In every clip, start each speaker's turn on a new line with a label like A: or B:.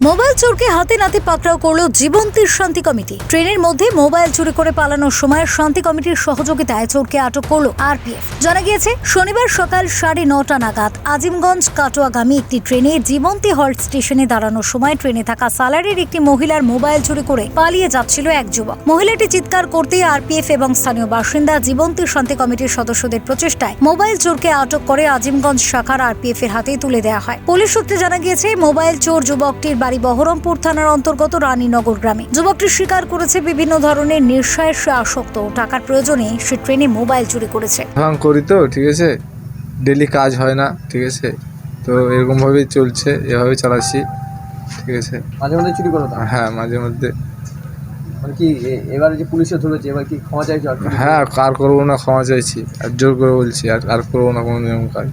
A: Mobile চোরকে হাতে নাতে পাকড়াও করল জীবন্তীর শান্তি কমিটি। ট্রেনের মধ্যে মোবাইল চুরি করে পালানোর সময় শান্তি কমিটির সহযোগিতায় চোরকে আটক করল আরপিএফ। জানা গিয়েছে, শনিবার সকাল 9:30 নাগাদ আজিমগঞ্জ কাটোয়াগামী একটি ট্রেনে জীবন্তী হল্ট স্টেশনে দাঁড়ানোর সময় ট্রেনে থাকা সালারের একটি মহিলার মোবাইল চুরি করে পালিয়ে যাচ্ছিল এক যুবক। মহিলাটি চিৎকার করতেই আরপিএফ এবং স্থানীয় বাসিন্দা জীবন্তী শান্তি কমিটির সদস্যদের প্রচেষ্টায় মোবাইল চোরকে আটক করে আজিমগঞ্জ শাখার আরপিএফ এর হাতে তুলে দেওয়া হয়। পুলিশ সূত্রে জানা গিয়েছে, মোবাইল চোর যুবকটির বাড়ি বহরমপুর থানার অন্তর্গত রানীনগর গ্রামে। যুবকটি স্বীকার করেছে বিভিন্ন ধরনের নেশায় সে আসক্ত, টাকার প্রয়োজনে সে ট্রেনে মোবাইল চুরি করেছে।
B: করি তো ঠিক আছে, ডেলি কাজ হয় না ঠিক আছে, তো এরকম ভাবেই চলছে, এভাবে চালাচ্ছি ঠিক আছে।
C: মাঝে মধ্যে চুরি করো?
B: হ্যাঁ মাঝে মধ্যে।
C: মানে কি এবারে যে পুলিশে ধরেছে, এবার কি ক্ষমা চাইছো?
B: হ্যাঁ, আর করবো না, ক্ষমা চাইছি, আর জোর করে বলছি আর করবো না কোনো নিয়ম কাজ।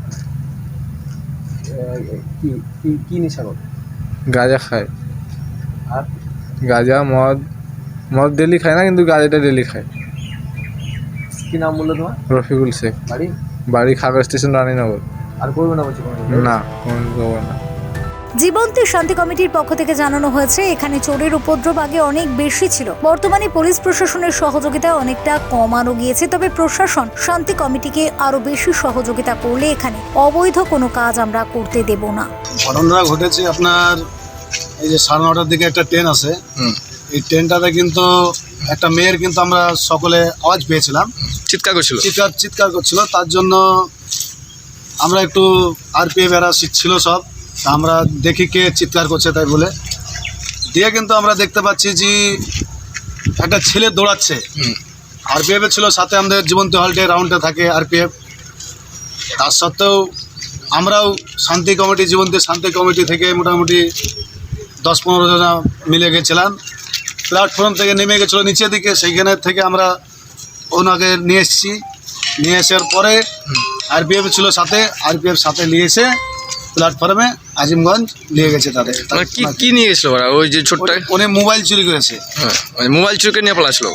C: কি কি কি নেশা করো?
B: গাঁজা খায়,
C: আর
B: গাঁজা মদ ডেলি খায় না, কিন্তু গাঁজাটা ডেলি খায়।
C: কি নাম বললো তোমার?
B: রফিকুল শেখ। বাড়ি খাগড়া স্টেশন, রানীনগর।
C: আর করবে না বলছি?
B: না, কোনো করবো না।
A: জীবন্তী শান্তি কমিটির পক্ষ থেকে জানানো হয়েছে, এখানে চোরের উপদ্রব আগে অনেক বেশি ছিল। বর্তমানে পুলিশ প্রশাসনের সহযোগিতায় অনেকটা কমানো গিয়েছে, তবে প্রশাসন শান্তি কমিটিকে আরো বেশি সহযোগিতা করলে এখানে অবৈধ কোনো কাজ আমরা করতে দেব না।
D: ঘটনাটা ঘটেছে আপনার এই যে 9:30টার দিকে একটা ট্রেন আছে, এই ট্রেনটাতে কিন্তু একটা মেয়ের কিন্তু আমরা সকলে আওয়াজ পেয়েছিলাম, চিৎকার করছিল। তার জন্য আমরা একটু আরপিএফ এরা ছিল সব, তা আমরা দেখি কে চিৎকার করছে তাই বলে দিয়ে কিন্তু আমরা দেখতে পাচ্ছি যে একটা ছেলে দৌড়াচ্ছে। আরপিএফ ছিল সাথে, আমাদের জীবন্তী হল্টে রাউন্ডে থাকে আরপিএফ। তার সত্ত্বেও আমরাও জীবন্তী শান্তি কমিটি থেকে মোটামুটি 10-15 জন মিলে গেছিলাম। প্ল্যাটফর্ম থেকে নেমে গেছিলো নিচের দিকে, সেইখানে থেকে আমরা ওনাকে নিয়ে এসেছি। নিয়ে আসার পরে আরপিএফ ছিল সাথে, আরপিএফ সাথে নিয়ে এসে প্ল্যাটফর্মে আজিমগঞ্জ নিয়ে গেছে তাদের।
E: কি নিয়ে গেছিল ওরা? ওই যে ছোট্ট
D: উনি মোবাইল চুরি করেছে।
E: মোবাইল চুরি নিয়ে পালাচ্ছিল।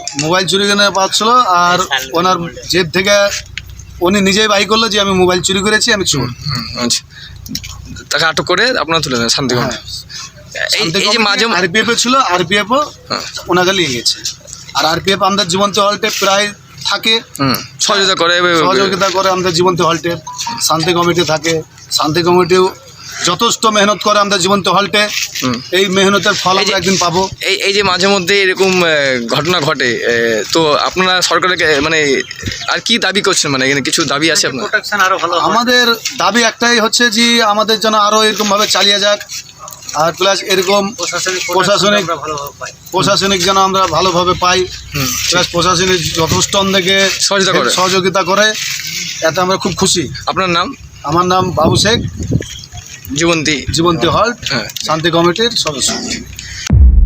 D: আর ওনার জেব থেকে উনি নিজেই বাই করলো যে আমি মোবাইল চুরি করেছি, আমি চোর।
E: আচ্ছা, তাকে আটক করে আপনারা তুলে নেন শান্তি কমিটি। এই যে মাঝে
D: আরপিএফ ছিল, আরপিএফও ওনাকে নিয়ে গেছে। আর আরপিএফ আমাদের জীবন্তী হল্টে প্রায় থাকে, সহযোগিতা করে আমাদের জীবন্তী হল্টে। শান্তি কমিটি থাকে, শান্তি কমিটিও যথেষ্ট মেহনত করে আমাদের জীবন্তী হল্টে। এই মেহনতের ফল আমরা একদিন পাবো।
E: এই যে মাঝে মধ্যে এরকম ঘটনা ঘটে, তো আপনারা সরকারকে মানে আর কি দাবি করছেন? মানে এখানে কিছু দাবি আছে আপনার?
D: আমাদের দাবি একটাই হচ্ছে যে আমাদের যেন আরও এরকমভাবে চালিয়ে যাক, আর প্লাস এরকম প্রশাসনিক যেন আমরা ভালোভাবে পাই, প্লাস প্রশাসনিক যথেষ্ট আমাদেরকে সহযোগিতা করে, এতে আমরা খুব খুশি।
E: আপনার নাম?
D: আমার নাম বাবু শেখ,
E: জীবন্তী
D: হল্ট শান্তি কমিটির সদস্য।